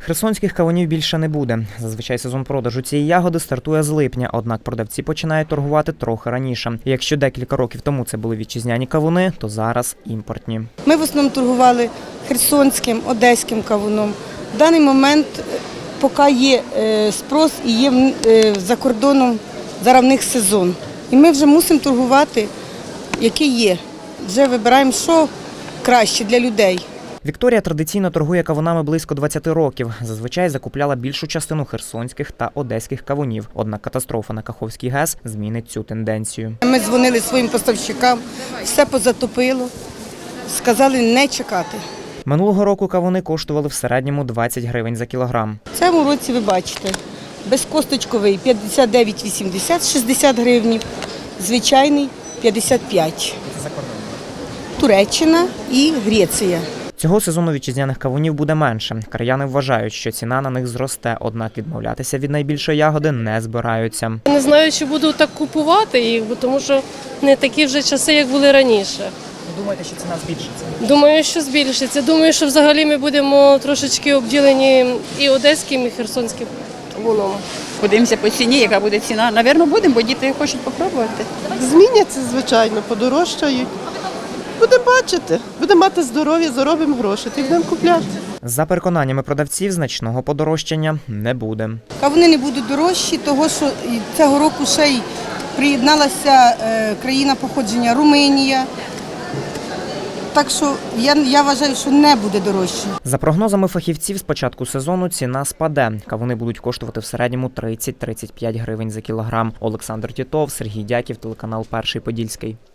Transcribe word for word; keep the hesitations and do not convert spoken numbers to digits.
Херсонських кавунів більше не буде. Зазвичай сезон продажу цієї ягоди стартує з липня, однак продавці починають торгувати трохи раніше. Якщо декілька років тому це були вітчизняні кавуни, то зараз імпортні. Ми в основному торгували херсонським, одеським кавуном. В даний момент, поки є спрос і є за кордоном, зараз в них сезон. І ми вже мусимо торгувати, який є. Вже вибираємо, що краще для людей. Вікторія традиційно торгує кавунами близько двадцяти років. Зазвичай закупляла більшу частину херсонських та одеських кавунів. Однак катастрофа на Каховській ГЕС змінить цю тенденцію. Ми дзвонили своїм поставщикам, все позатопило, сказали не чекати. Минулого року кавуни коштували в середньому двадцять гривень за кілограм. В цьому році ви бачите, безкосточковий п'ятдесят дев'ять вісімдесят, шістдесят гривень, звичайний п'ятдесят п'ять. Це за кордоном. Туреччина і Греція. Цього сезону вітчизняних кавунів буде менше. Краяни вважають, що ціна на них зросте, однак відмовлятися від найбільшої ягоди не збираються. Не знаю, чи буду так купувати їх, тому що не такі вже часи, як були раніше. Думаєте, що ціна збільшиться? Думаю, що збільшиться. Думаю, що взагалі ми будемо трошечки обділені і одеським, і херсонським кавуном. Подивимося по ціні, яка буде ціна. Навірно, будемо, бо діти хочуть спробувати. Зміняться, звичайно, подорожчають. Будемо бачити, будемо мати здоров'я, заробимо гроші, і будемо купляти. За переконаннями продавців, значного подорожчання не буде. Кавуни не будуть дорожчі, тому що цього року ще й приєдналася країна походження Румунія. Так що я, я вважаю, що не буде дорожче. За прогнозами фахівців, з початку сезону ціна спаде. Кавуни будуть коштувати в середньому тридцять - тридцять п'ять гривень за кілограм. Олександр Тітов, Сергій Дяків, телеканал Перший Подільський.